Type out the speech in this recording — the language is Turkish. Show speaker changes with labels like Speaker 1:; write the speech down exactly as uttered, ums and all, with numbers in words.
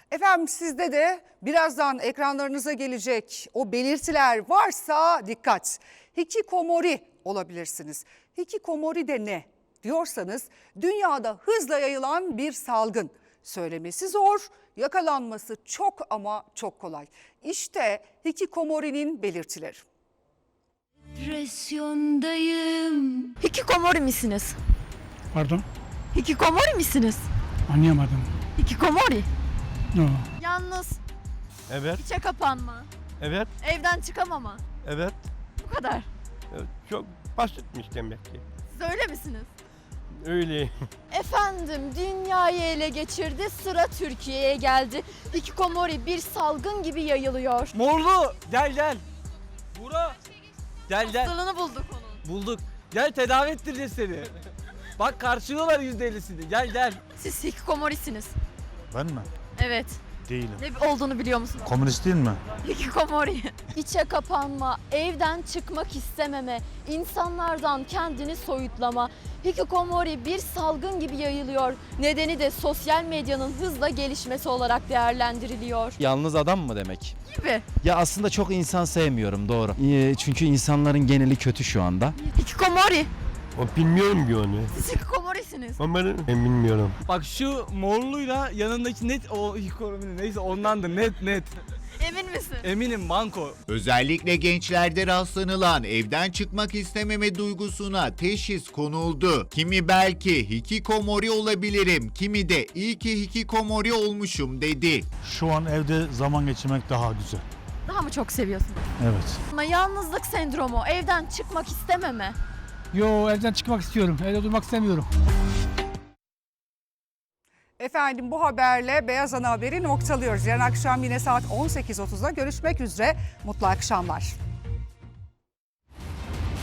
Speaker 1: Efendim sizde de birazdan ekranlarınıza gelecek o belirtiler varsa dikkat. Hikikomori olabilirsiniz. Hikikomori de ne diyorsanız dünyada hızla yayılan bir salgın. Söylemesi zor, yakalanması çok ama çok kolay. İşte hikikomori'nin belirtileri.
Speaker 2: Depresyondayım. Hikikomori misiniz?
Speaker 3: Pardon,
Speaker 2: Hikikomori misiniz?
Speaker 3: anlayamadım.
Speaker 2: Hikikomori.
Speaker 3: No.
Speaker 2: Yalnız,
Speaker 4: Evet,
Speaker 2: içe kapanma,
Speaker 4: evet,
Speaker 2: evden çıkamama.
Speaker 4: evet.
Speaker 2: Bu kadar.
Speaker 4: Evet, çok basitmiş demek ki.
Speaker 2: Siz öyle misiniz?
Speaker 4: Öyle.
Speaker 2: Efendim, dünyayı ele geçirdi, sıra Türkiye'ye geldi. Hikikomori bir salgın gibi yayılıyor.
Speaker 5: Morlu gel gel. Bura. Gel gel.
Speaker 2: Hastalığını bulduk onun.
Speaker 5: Bulduk. Gel tedavi ettireceğiz seni. Bak karşılıyorlar yüzde ellisini. Gel gel.
Speaker 2: Siz hikikomorisiniz.
Speaker 6: Ben mi?
Speaker 2: Evet.
Speaker 6: Değilim.
Speaker 2: Ne olduğunu biliyor musunuz?
Speaker 6: Komünist değil mi?
Speaker 2: Hikikomori. İçe kapanma, evden çıkmak istememe, insanlardan kendini soyutlama. Hikikomori bir salgın gibi yayılıyor. Nedeni de sosyal medyanın hızla gelişmesi olarak değerlendiriliyor.
Speaker 7: Yalnız adam mı demek?
Speaker 2: Gibi.
Speaker 7: Ya aslında çok insan sevmiyorum, doğru. Ee, Çünkü insanların geneli kötü şu anda.
Speaker 2: Hikikomori.
Speaker 4: O bilmiyorum ki onu.
Speaker 2: Siz hikikomorisiniz.
Speaker 4: Ama ben bilmiyorum.
Speaker 5: Bak şu morluyla yanındaki net o hikoromini neyse ondandır net net.
Speaker 2: Emin misin?
Speaker 5: Eminim banko.
Speaker 8: Özellikle gençlerde rastlanılan evden çıkmak istememe duygusuna teşhis konuldu. Kimi belki hikikomori olabilirim, kimi de iyi ki hikikomori olmuşum dedi.
Speaker 6: Şu an evde zaman geçirmek daha güzel.
Speaker 2: Daha mı çok seviyorsunuz?
Speaker 6: Evet.
Speaker 2: Ama yalnızlık sendromu, evden çıkmak istememe.
Speaker 3: Yo, evden çıkmak istiyorum. Evde durmak istemiyorum.
Speaker 1: Efendim bu haberle Beyaz Ana Haber'i noktalıyoruz. Yarın akşam yine saat on sekiz otuzda görüşmek üzere. Mutlu akşamlar.